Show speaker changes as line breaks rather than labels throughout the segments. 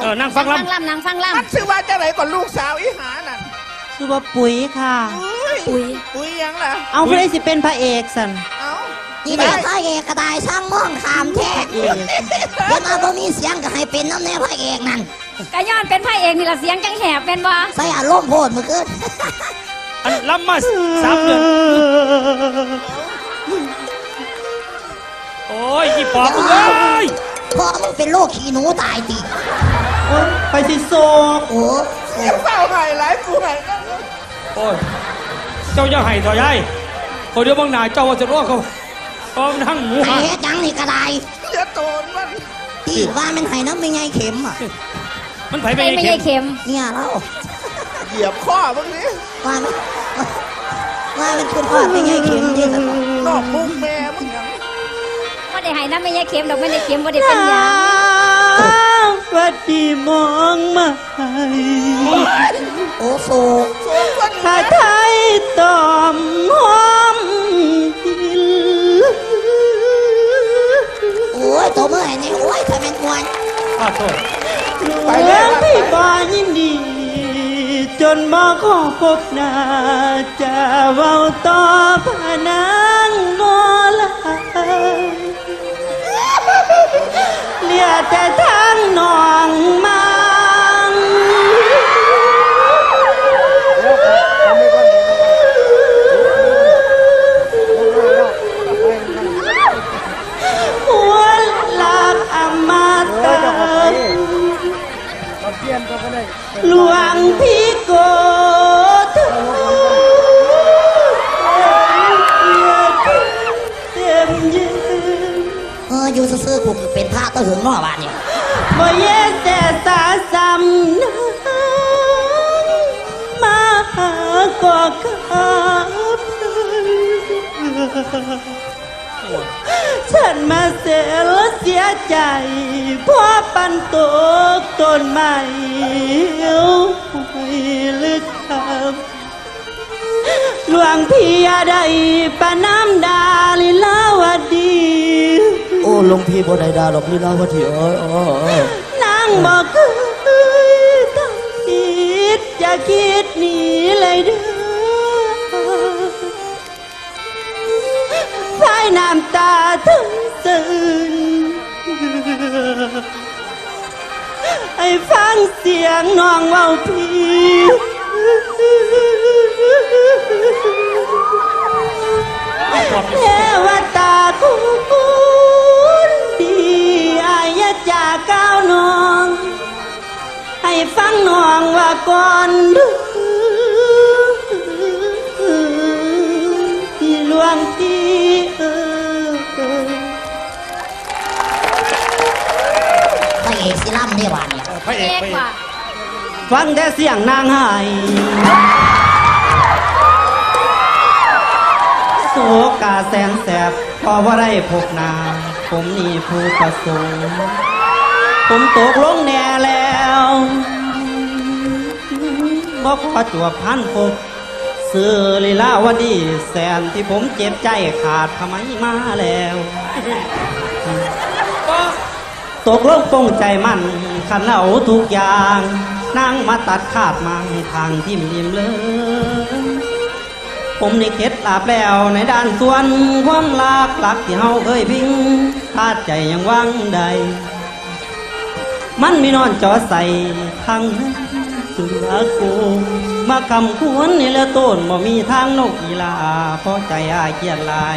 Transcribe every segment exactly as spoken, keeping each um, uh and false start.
เออนั่งฟัง
นั่ง
ลำ
ลำนั่งฟังล
มันชื่อว่าจะไหนก่อนลูกสาวอีหานั่น
ชื่อว่าปุ๋ยค่ะ
อุ้ย
ำปุ๋ย
อุ้ยยังล่ะ
เอาผู้ใดสิเป็นพระเอกสัน
เอ้า
นี่แม่พระเอกกระต่ายช่างม่องขามแท้เดี๋ยวมาบ่มีเสียงก็ให้เป็นน้ำแน่พระเอกนั่น
กะย้อนเป็นพระเอกนี่ละเสียงจังแหบเป็นบ่
ใส่อารมณ์โพดเมื่อคืน
อันลำมาสามเดือนโอ้ยอีปอบมึงเอ้ย
พอมึงเป็นโรคขี้หนูตายติ
โอ๊ยไปสิโซก
โอ้
เสียงเฝ้าไห้หลายกูไห้นั่น
โอ้ยเจ้าอย่าให้ต่อยายคนเดียวบางหนาเจ้าว่าจะรอดเขาก็นั่งหมู
ไอ้
หัน
เฮ็ดหยังนี่กระได
เสียโตนมัน
ที่ว่ามันให้น้ำไม่ไงเข็มอ่ะ
มันไผไป
ไม่
ไอ้
ไม่
เข็
ใช่
ม
เข็ม
เนี่ยเรา
เหยียบข้อมึงนี่
ว่ามันว่ามันขึ้นว่าไม่ไงเข็มที่สุด
นอกมุกแม่มึงยัง
ว่าได้ให้น้ำไม่ใช่เข็มดอกไม่ได้เข็มว่าได้เป็นยา
วัดดีมองมาให้
โอ้โศก
โซ่คน
ถ้า
นี้
ไทยตอมหอมกิน
โอ้ยตัวเมื่อไหร่นี่โอ้ยทำเป็นมวน
อ้าวโทษ
หลวงพี่บายิ้มดี จนมาขอพบหน้าจะเว้าต่อพนางโมลาเหลือแต่ทางนองมังหัวหลักอมตะหลวงพี่โกธเต็มยืน
เอออยู่ซื่อๆกูเป็นพระตะหึงนอกบ้านเนี่ย
บ่เย็นแต่สาสำนักมาหาก็ครับฉันมาเสียแล้วเสียใจเพราะปันตกต้นไม้ไม่ลึกคำหลวงพี่ได้ปะน้ำดาลิลาวดี
โอ้หลวงพี่บ่ได้ดาหรอกนี่เล่าว่าที่เอ้ยเอ้ย
นางบอกเคยต้องคิดจะคิดหนีเลยเด้อพายน้ำตาถึงซึ้งให้ฟังเสียงน้องเว้าพี่เทวตาคุณดีอายจากก้าวน้อง ให้ฟังน้องว่าก่อนดูที่หลวงพี่เออ
พระเอกสิล่ำเนี่ยบ้านเนี่ย
พระเอก
เอก
พระเอก
ว่า
ฟังแต่เสียงนางไห้โศกาแสนแสบพอว่าได้พบหนาผมนี่ผู้ประสงค์ผมตกลงแน่แล้วบ่ขอจวบพันพบซื้อลีลาวดีแสนที่ผมเจ็บใจขาดทำไมมาแล้วตกลงปงใจมันขันเอาทุกอย่างนั่งมาตัดขาดมังทางทิมริมเลยผมนี่เคล็ดลาบแล้วในด้านส่วนความรักหลักที่เฮาเคยพิงพาดใจยังวังใดมันมีนอนจอใส่ทางนั้นเสือโกงมาคำควรนี่ละต้นบ่มีทางนกอีลาเพราะใจอายเกียดหลาย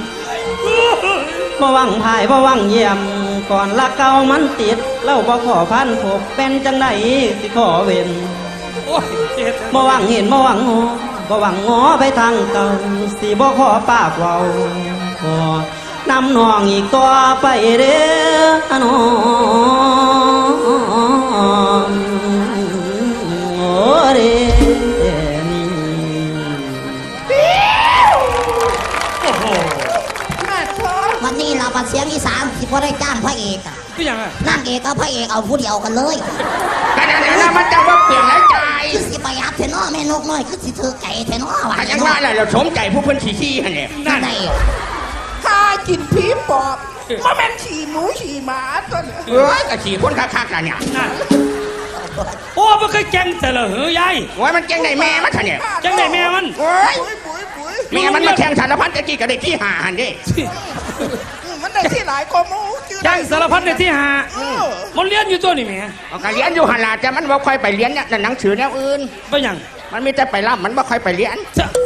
บ่วังพายบ่วังเยี่ยมก่อนละเก่ามันติดเล่าบ่ขอพันพบเป็นจังไดสิขอเว้น
โอ้ยเจ็ด
บ่หวังเห็นบ่หวังงอบ่หวังงอไปทางเก่าสิบ่ขอปากเว้าขอนำน้องอีกต่อไปเด้อน้องโอ้เด้นี่
โอ้โห
มาโทษ
วันนี้เราปัดเสียงอีสานที่พอได้จ้างพระเอกอะ
ก็ยังไง
นางเอกกับพระเอกเอาผู้เดียวกันเลย
แต่เดี๋ยวนะมันจะว่าเปลี่ยนหลายใจ
คือสิประหยัดเทนอแม่นกน้อยคือสิเธอไก่เทนอว่า
ถ้ายังว่าอะไรเราสมใจผู้เพิ่นขี่ขี้ฮะเนี่ย
นั่นไง
ถ้ากินผีปอบมันเป็นฉี่หมูฉี่หมาตัวเนี่ย
เอ้ยกะขี่คนคักๆน่ะเนี่ย
นั่นโอ้มันเคยแกงแต่ละหือยาย
โอ้ยมันเก่งในแม่มันท่านเนี่ย
แกงได้แม่มัน
โอ้ย
ปุ๋ยปุ๋ยปุ๋ย
แม่มันมาแข่งสารพัดตะกี้ก็ได้ที่หาหันเด้
อืมมันได้ที่หลายกว่าหมูชื่อ
แกงสารพัดในที่หา
เออ
มันเลี้ยนอยู่ตัวนี่แหม่
เอาก็เรียนอยู่หันล่ะแต่มันบ่ค่อยไปเรียนเนี่ยหนังสือแนวอื่น
ไปหยัง
มันมีแต่ไปล่ำมันบ่ค่อยไปเรียน
จะ